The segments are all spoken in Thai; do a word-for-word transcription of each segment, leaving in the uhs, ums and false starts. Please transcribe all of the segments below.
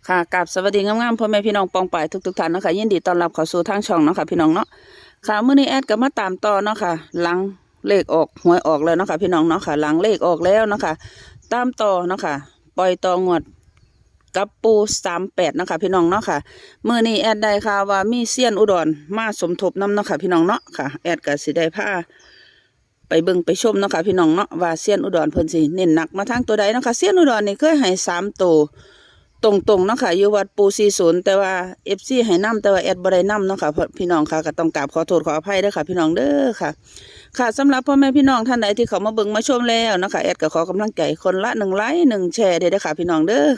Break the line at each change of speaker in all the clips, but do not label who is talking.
ค่ะกับสวัสดีงามๆพ่อแม่พี่น้องปองป่ายทุกๆท่านเนาะค่ะยินดีต้อนรับเข้าสู่ทางช่องเนาะค่ะพี่น้องเนาะค่ะมื้อนี้แอดก็มาตามต่อเนาะค่ะหลังเลขออกหวยออกแล้วเนาะค่ะพี่น้องเนาะค่ะหลังเลขออกแล้วเนาะค่ะตามต่อเนาะค่ะปล่อยต่องวดกับปูสามแปดเนาะค่ะพี่น้องเนาะค่ะมื้อนี้แอดได้ข่าวว่ามีเซียนอุดรมาสมทบนำเนาะค่ะพี่น้องเนาะค่ะแอดก็สิได้พาไปเบิ่งไปชมเนาะค่ะพี่น้องเนาะว่าเซียนอุดรเพิ่นสิเน้นหนักมาทางตัวใดเนาะค่ะเซียนอุดรนี่เคยให้สามตัวตรงๆเนาะค่ะอยู่วัดปูสี่สิบแต่ว่า เอฟ ซี ให้นำแต่ว่าแอดบ่ได้นำเนาะค่ะพี่น้องค่ะก็ต้องกราบขอโทษขออภัยเด้อค่ะพี่น้องเด้อค่ะค่ะสำหรับพ่อแม่พี่น้องท่านใดที่เขามาเบิ่งมาชมแล้วเนาะค่ะแอดก็ขอกำลังใจคนละหนึ่งไลค์หนึ่งแชร์เด้อค่ะพี่น้องเด้อ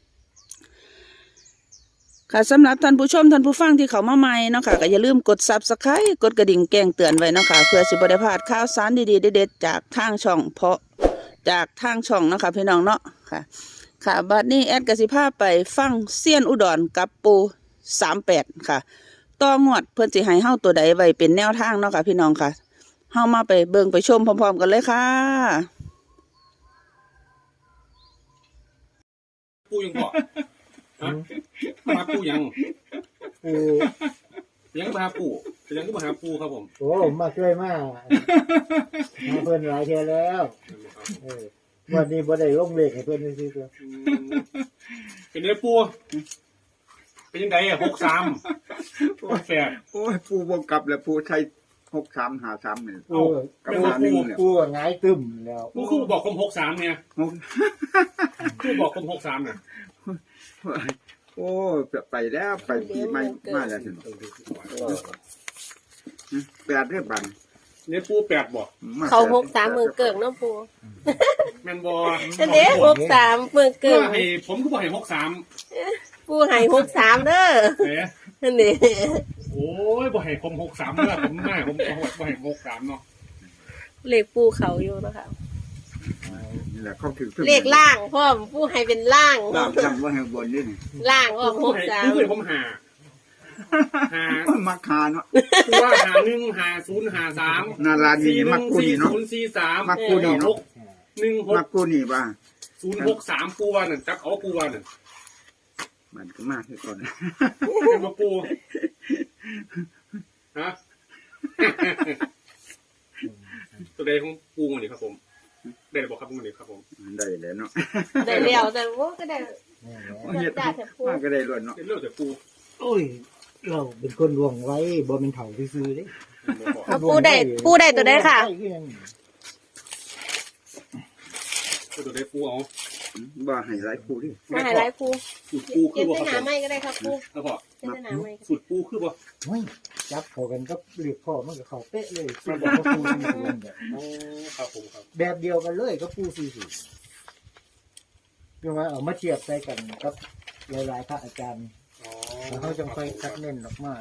ค่ะสำหรับท่านผู้ชมท่านผู้ฟังที่เขามาใหม่เนาะค่ะก็อย่าลืมกด ซับสไครบ์ กดกระดิ่งแจ้งเตือนไว้เนาะค่ะเพื่อสิบ่ได้พลาดข่าวสารดีๆเด็ดๆจากทางช่องเพาะจากทางช่องเนาะค่ะพี่น้องเนาะค่ะค่ะบัดนี้แอดกสิภาไปฟังเซียนอุดรกับปูสามแปดค่ะต่องวดเพื่อนสิให้เฮาตัวใดไว้เป็นแนวทางเนาะค่ะพี่น้องค่ะเฮามาไปเบิ่งไปชมพร้อมๆกันเลยค่ะ
ปูยังบอกฮะมาปูยัง
ปู
ยังมาหาปูยังก็มาหาปูครับผม
โอ้มาช่วยมากมาเพิ่นหลายเทื่อแล้วเออวันนี้บ่ได้ลงเลขให้เพิ่นซื้อตัว
เป็นเนื้อปูเป็นยังไงอ่ะหกสามหกแปด
โอ้ยปูวงกลับแล้วปูใช้หกสามหาสามเนี่ย
ปู
กับ
ปู
หาหนึ่งเนี่ย
ปูหงายตึมแล้ว
ปูคือบอกผมหกสามเนี่ย
หก
คือบอกผมหกสามเนี่ย
โอ้ยไปแล้วไปปีใหม่มาแล้วถึงแปดเรียบบัน
เนื้อปูแปดบอก
เขาหกสามมือเกิงน้ำปู
แมนบอ
อันนี้หกสามมือ
เกิ
เกิ
ด
ง
ให้ผมก็บอกให้หกสาม
ปูให้หกสามเด้อ
เอ๊ะ
อันนี้
โอ้ยบอกให้ผมหกสามเมื่อผมแม่ผมบอกให้หกสามเนาะ
เลขปูเขาอยู่นะคะ
นี่แหละเขาถือ
เลขล่างพ่อมปูให้เป็นล่าง
ล่างจำว่าให้บนนี่นี่
ล่างออก
ปู
หก
ให้
สาม
ปูให้ผมหาหา
มักคาเนาะ
ปูว่าหาหนึ่งหาศูนย์หาสาม
นารานี
สี่ห
มั
นึ่
ก
ง
กู
สี่
นี่เนาะ
ศูนย์สี่สาม
มักกูนี่เนาะ
หกหนึ่งห
มั
ก
กกูนี่บ้า
ศูนย์หกสามปูวานั่นจักเอาปูวานั่น
มันก็มากที่ก่อน
เป็นมาปูฮะ ตัวใดของปูมันนี่ครับผมได้บอกครับมันนี่ครับผม
ได้แล้วเนาะ
ได้เลี้ยวแต่ว่าก็ได้
เฮ็ดมากก็ได้ล้วนเนาะ
เป็นเรื่องแต่ปู
โอ้ยเราเป็นคนลวงไว้บ่เป็นเฒ่าซื่อๆเด้
เอาปูได้ปูได้ตัวได้ค่ะ
ตัวใดปูเอา
บ้าให้หลายปูดิ
มาให้ไลฟ์ปู
สูตรปูคื
เก็
อบ บ่
เส้น
ครับผม
หนาไม้ก็ได้ครับปู
แล้วพอ
เก็บเส้นหนาไม้
สูตรปูคือบ่
โอ้ยจับเข้ากันก็เรียกพ่อมันก็เข้าเป๊ะเลยปูบอกว่าปูสี่สิบแบบ
โอ้ครับผมครับ
แบบเดียวกันเลยก็ปูสี่สิบเรียกว่าเอามาเทียบใส่กันกับหลายๆพระอาจารย์
อ๋อ
แล้วเขาจะค่อยคัดเน้นออกมา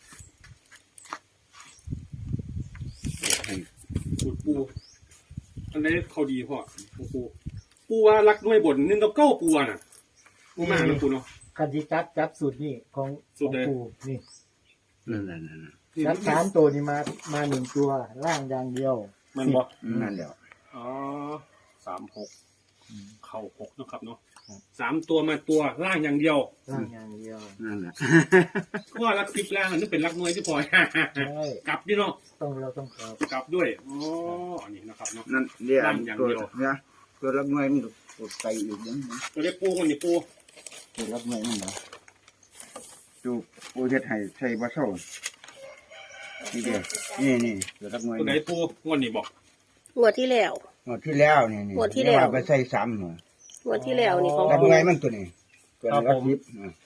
สูตรปูอันไหนเขาดีพ่อปูปูปูว่ารักด้วยบนหนึ่งกับเก้าปูน่ะปูมากนะปูเนาะ
คันที่จับจับสูตรนี่ของ
สู
ข
ต
อ
รง ใด
ปูนี่
นั่นแหละนั่นแหละ
จับสามตัวนี่มามาหนึ่งตัวล่างอย่างเดียว
มันบ่
นั่นแหละ
อ๋อสามหกเข่าหกนะครับเนาะสามตัวมาตัวล่างอย่างเดียว
ล่างอย่างเดียว
นั่นแหละ
เพราะว่ารักสิบล่างอันนี้เป็นรักน้อยที่พอ
ใช่
กลับดิเนาะ
ต้องเราต้องครับ
กลับด้วยอ๋ออันนี้นะครับเนาะ
นั่นเดี๋ยว
นั่นอย่าง
ตัว
เดียว
เนี่ยตัวรับเงินมันกดไปอีกยังไง
ตัวเล็กปูคนนี้ปู
ตัวรับเงินมันเหรอจูปูเฮ็ดให้ใส่บะเซ่านี่เดียวนี่นี่ตัวรับเงิน
ตัวไหนปูงวดนี้บอก
งวดที่แล้ว
หมดที่แล้วนี่นี่
งวดที่แล้ว
ไปใส่ซ้ำหัว
งวดที่แล้วนี่ของ
รับ
ปู
เงินมันตัวนี้ตัวนี้รับยิบอ่ะ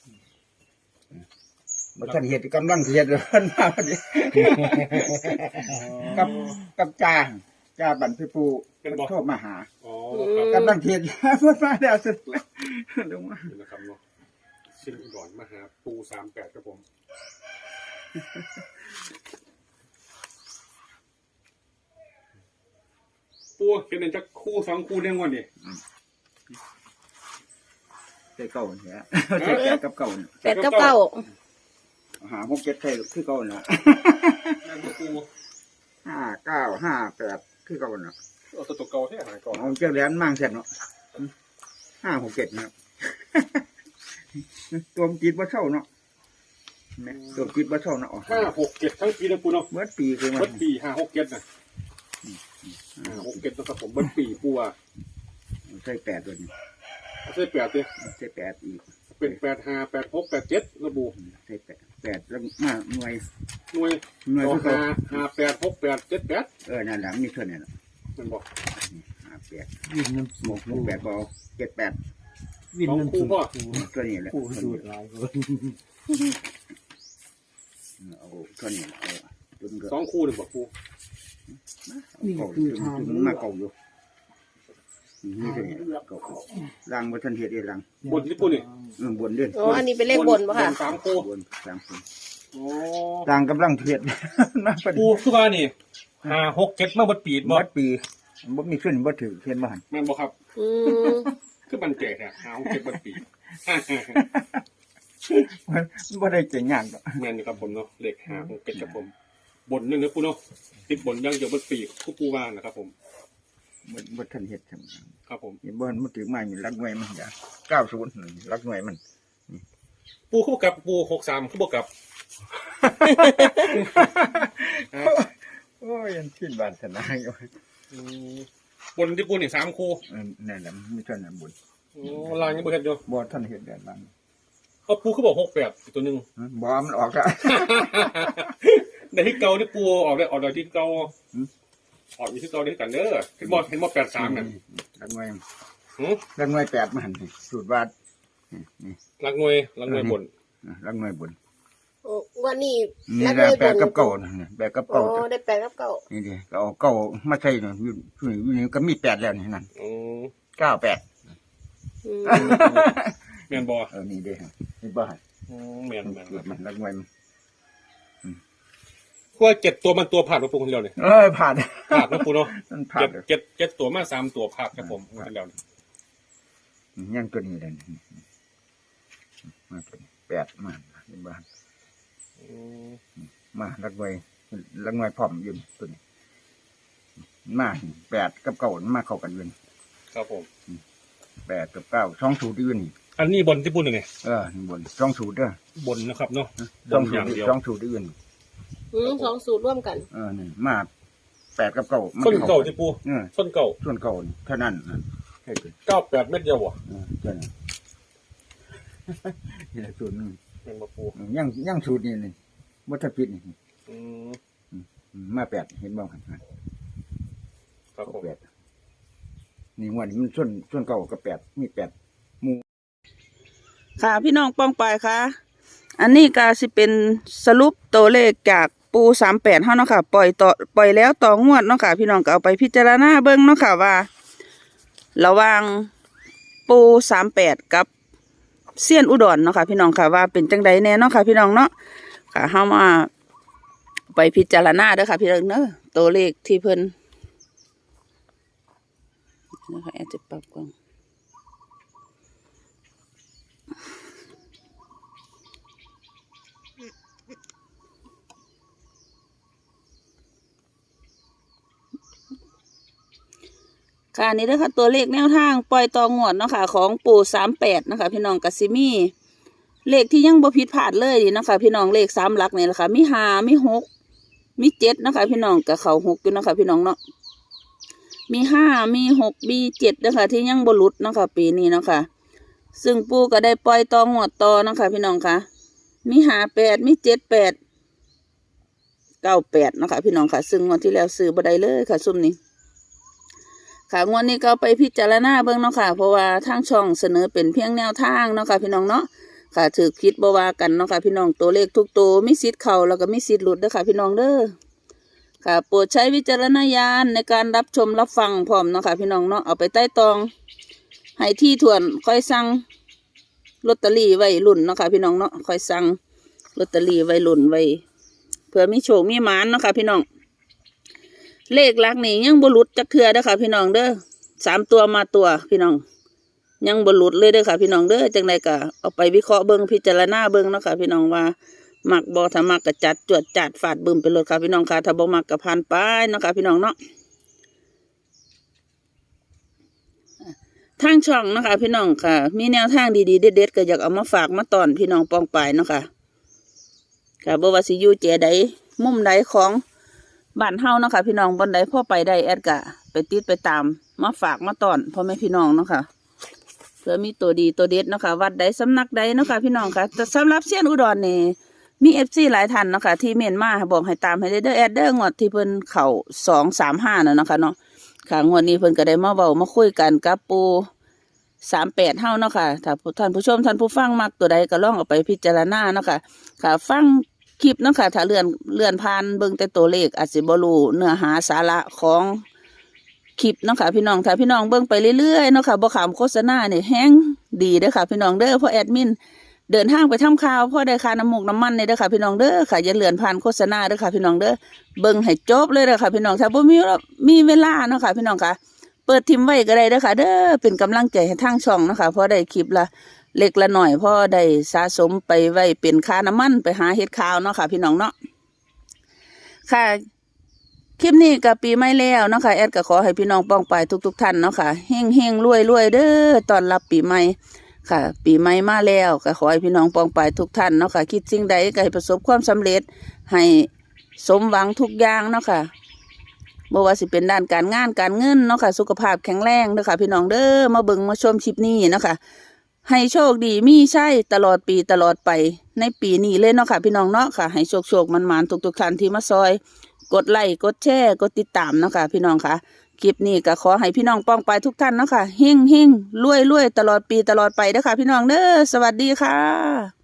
บ่ทันเฮ็ดกำลังเฮ็ดเพิ่นมาพอดีกับกับจ่าจ่าบันพี่ปูเป็นโทรมาหา
อ๋อครับ
กำลังเฮ็ดเพิ่นมาแล้วสุดแล้วลงมา
นี่นะครับเนาะชิ้นอุดรมาหาปูสามแปดครับผมปูเป็นอันจะคู่สองคู่เรื่องวันนี้
ใส่เก่าเนี่ยใส่แปดกับเก่าเนี่ย
แปดกับเก้า
หาหกเจ็ดใส่คือเก่าน่ะ
นั่นปู
ห้าเก้าห้าแปดคือเก่าน่ะ
เอาตัวตัวเก่าที่หายก่อน
เอาเจ้าแหลนมั่งเสร็จเนาะห้าหกเจ็ดนะครับตัวมันจิตบ่เช่าเนาะแม่ตัวจิตบ่เช่าเนาะ
ห้าหกเจ็ดทั้งปีนะปูเนาะ
เมื่อปีคือมั
เบิ้
น
ปีห้าหกเจ็ดนะห้าหกเจ็ดนะครับผมเบิ้ปีปูอ่ะ
ใส่แปดตัวนี้
ใช่แปดเลย
ใส่แปดอีก
เป็นแปดห้าแปดหกแปดเจ็ดระบุ
ใส่แปดแปดแล้วมาหน่วย
หน่วย
หน่วย
ต่อ
คือ
ห้า
เขา
ห้าแปดหกแปดเจ็ดแปด
เออนั่นแหละมีเท่านี้แหละ
มันบอก
ห้าแปด
วินน้ำ
ห
สู
กหกแปดบอเจ็ดแปด
วินน้ำสู
ตัวนี้แหละ
ผู้สูตรหลายคน
เอาตัวนี้เอาจนก็
สองคู่หนึ่งบอกปู
เก่าจนจนมาเก่าอยู่นี่ตัวนี้เก่าลังบนทันเหตุเองลัง
บนที่ปูนี่
เออบนเด่น
อ๋ออันนี้เป็นเลขบนปะค่ะ
สามคู่
บนสามคน
โอ้
ลังกำลังเทียดนะเป็น
ปูคือว่านี่ห้าหกเจ็ดมาบดปีดบ
มั
อ
ดปีบ่มีขึ้นบ่ถือเทียนบ้าน
แม่นบอกครับ
อืม
คือมันเจ๋อะห้าหกเจ็ดบดปีด
มันบ่ได้เจ๋งงานดอก
แม่นอยู่ครับผมเนาะเลขห้าหกเจ็ดครับผมบนหนึ่งนะปูเนาะติดบนยังเดียวบดปีกคู่ปูว่านะครับผม
บ่บ่ทันเฮ็ดทำ
ครับผม
นี่บ่มันถือมาอยู่รักหน่วยมันอย่าเก้าสิบรักหน่วยมัน
ปูคู่กับปูหกสามคู่บวกกับ
โอ้ยยังคิดบาดสนาอยู่
อืมบนที่ปูนี่สามคู่
เออนั่นแหละมีเท่านั้นบุญ
โอ้ลายยังบ่เห็นอยู่
บ่ทันเฮ็ดแบบนั้น
เอาปูเขาบอกหกแปดอีกตัวหนึ่ง
บ่มันออกแล้ว
ในที่เก่าที่ปูออกได้ออกได้ที่เก่าออกอยู่ที่เก่าได้กันเด้อเห็นบอเห็นบอแปดสามนั่น
รักหน่วย
หือ
รักหน่วยแปดมันนี่สูตรบาทนี่
ลักหน่วยลักหน่วยบน
รักหน่วยบุญ
โอ้วันนี้
นี่
นั
แหละ
เลย
แปดกับเก่านี่แปดกับ
โอ้
เก่า
ได้แปดกับเก้า
นี่ดิก็เอาเก่ามาใส่นี่อยู่อยู่นี่ก็มีแปดแล้วนี่นั่น
อืม
เก้าแปด
อืม
แมนบอ
เออนี่เด้นี่บ่ให้
อืมแมนแมน
เกิดมันรักหน่วยมัน
เพราะว่าเจ็ดตัวมันตัวผ่านมาปูคนเดียวเนี่ย
เอ้ยผ่าน
ผ่านนะปูเนาะ
มันผ่า
เจ็
น
ดเจ็ดเจ็ดตัวมาสามตัวผ่านครับผมคนเดียวเนี่ย
ยังตัวนี้เลยมาตัวนี้แปดมานี่บ้าน
อืม
มาลักหน่วยลักหน่วยพร้อมอยืนตัวนี้มาแปดกับเก้ามาเข้ากันอยืน
ครับผม
แปดกับเก้าสองสูตรอยืนนี่
อันนี้บนที่ปูหนึ่งไง
เออนี่บนสองสูตรเด้อบ
นนะครับเนาะ
สอง
บน
สู
อ
ต
ย่าง
ร
เดียว
สองสูตรอยืน
อืมสองสูตรร่วมกัน
เออนี่มาแปดกับเก้ามั
ส้นเก่า
ข้
ที่ปู
เออ
ส้นเก่า
ส่วนเก้านี่เท่านั้นนั่นใช่เลย
เก้าแปดเม็ดเดียววะ
เออเท่านั้นนี่แหละสูตรนึง
เป็นมาปู
ยังยังสูตรนี่นี่วัฏพิษนี่
อืม
มาแปดเห็นบ้างครับ
ครับผม
แปดนี่งวันนี้มันส่วนส่วนเก่ากับแปดมีแปด
ค่ะพี่น้องป้องปายค่ะ อันนี้ก็สิเป็นสรุปตัวเลขจากปูสามแปดเฮาเนาะค่ะ ปล่อยต่อปล่อยแล้วต่องวดเนาะค่ะ พี่น้องก็เอาไปพิจารณาเบิ่งเนาะค่ะว่า ระหว่างปูสามแปดกับเซียนอุดรเนาะค่ะ พี่น้องค่ะว่าเป็นจังใดแน่เนาะค่ะ พี่น้องเนาะค่ะเฮามาไปพิจารณาเด้อค่ะ พี่น้องเนาะตัวเลขที่เพิ่นนะคะแอดจะปรับกล้อง ค่ะนี่เด้อค่ะตัวเลขแนวทางปล่อยตองวดเนาะค่ะของปู่สามแปดนะคะพี่น้องกัสิมีเลขที่ยังบ่ผิดพลาดเลยนี่นะคะพี่น้องเลขสามหลักนี่แหละค่ะมีห้ามีหกมีเจ็ดนะคะพี่น้องกับเขาหกอยู่นะคะพี่น้องเนาะมีห้ามีหกมีเจ็ดนะคะที่ยังบ่หลุดนะคะปีนี้เนาะค่ะซึ่งปู่ก็ได้ปล่อยตองวดต่อนะคะพี่น้องค่ะมีห้าแปดมีเจ็ดแปดเก้าแปดนะคะพี่น้องค่ะซึ่งงวดที่แล้วซื้อบ่ได้เลยค่ะซุ่มนี้ค่ะงวดนี้ก็ไปพิจารณาเบิ่งเนาะค่ะเพราะว่าทางช่องเสนอเป็นเพียงแนวทางเนาะค่ะพี่น้องเนาะค่ะถือคิดบ่ว่ากันเนาะค่ะพี่น้องตัวเลขทุกตัวมีสิทธิ์เข้าแล้วก็มีสิทธิ์หลุดเด้อค่ะพี่น้องเด้อค่ะโปรดใช้วิจารณญาณในการรับชมรับฟังพร้อมเนาะค่ะพี่น้องเนาะเอาไปใต้ตองให้ที่ถ่วนค่อยสั่งลอตเตอรี่ไว้ลุ่นเนาะค่ะพี่น้องเนาะค่อยสั่งลอตเตอรี่ไว้ลุ่นไว้เผื่อมีโชคมีหมานเนาะค่ะพี่น้องเลขหลักนี่ยังบ่หลุดจักเทื่อเด้อค่ะพี่น้องเด้อสามตัวมาตัวพี่น้องยังบ่หลุดเลยเด้อค่ะพี่น้องเด้อจังไดก็เอาไปวิเคราะห์เบิ่งพิจารณาเบิ่งเนาะค่ะพี่น้องว่ามักบ่ถ้ามักก็จัดจวดจัดฟาดบึ้มไปเลยค่ะพี่น้องค่ะถ้าบ่มักก็ผ่านไปเนาะค่ะพี่น้องเนาะททางช่องนะคะ พี่น้องค่ะ มีแนวทางดีๆเด็ดๆก็อยากเอามาฝากมาตอนพี่น้องปองปายเนาะค่ะค่ะบ่ว่าสิอยู่เจใดมุมใดของบ้านเฮาเนาะค่ะพี่น้องบนใดพ่อไปได้แอดกะไปติดไปตามมาฝากมาตอนพ่อแม่พี่น้องเนาะค่ะเพื่อมีตัวดีตัวเด็ดเนาะค่ะวัดใดสำนักใดเนาะค่ะพี่น้องค่ะแต่สำหรับเซียนอุดรนี่มีเอฟซีหลายท่านเนาะค่ะที่เมนมาบอกให้ตามให้ได้เด้อแอดเด้องวดที่เพิ่นเข่าสองสามห้าน่ะเนาะค่ะเนาะค่ะงวดนี้เพิ่นก็ได้มาเว้ามาคุยกันกับปูสามแปดเฮาเนาะค่ะถ้าท่านผู้ชมท่านผู้ฟังมักตัวใดก็ลองเอาไปพิจารณาเนาะค่ะค่ะฟังคลิปเนาะค่ะถ้าเลื่อนเลื่อนผ่านเบิ่งแต่ตัวเลขอาจสิบ่รู้เนื้อหาสาระของคลิปเนาะค่ะพี่น้องถ้าพี่น้องเบิ่งไปเรื่อยๆเนาะค่ะบ่ขามโฆษณาเนี่ยแฮงดีเด้อค่ะพี่น้องเด้อเพราะแอดมินเดินทางไปทำข่าวเพราะได้ค่าน้ำมูกน้ำมันเนี่ยเด้อค่ะพี่น้องเด้อค่ะอย่าเลื่อนผ่านโฆษณาเด้อค่ะพี่น้องเด้อเบิ่งให้จบเลยเด้อค่ะพี่น้องถ้าบ่มีมีเวลาเนาะค่ะพี่น้องค่ะเปิดทิมไว้ก็ได้เด้อค่ะเด้อเป็นกำลังใจให้ทางช่องเนาะค่ะเพราะได้คลิปละเล็กละหน่อยเพราะได้สะสมไปไว้เป็นค่าน้ำมันไปหาเฮ็ดข่าวเนาะค่ะพี่น้องเนาะค่ะคลิปนี้กับปีใหม่แล้วเนาะค่ะแอดก็ขอให้พี่น้องป้องไปทุกๆท่านเนาะค่ะเฮงเฮงรวยรวยเด้อตอนรับปีใหม่ค่ะปีใหม่มาแล้วก็ขอให้พี่น้องป้องไปทุกท่านเนาะค่ะคิดสิ่งใดก็ให้ประสบความสำเร็จให้สมหวังทุกอย่างเนาะค่ะบ่ว่าสิเป็นด้านการงานการเงินเนาะค่ะสุขภาพแข็งแรงเด้อค่ะพี่น้องเด้อมาเบิ่งมาชมคลิปนี้เนาะค่ะให้โชคดีมีใช่ตลอดปีตลอดไปในปีนี้เลยเนาะค่ะพี่น้องเนาะค่ะให้โชคโชคมันมันทุกๆท่านที่มาซอยกดไลค์กดแชร์กดติดตามเนาะค่ะพี่น้องค่ะคลิปนี้ก็ขอให้พี่น้องป้องไปทุกท่านเนาะค่ะเฮงเฮงรวยรวยตลอดปีตลอดไปเด้อค่ะพี่น้องเด้อสวัสดีค่ะ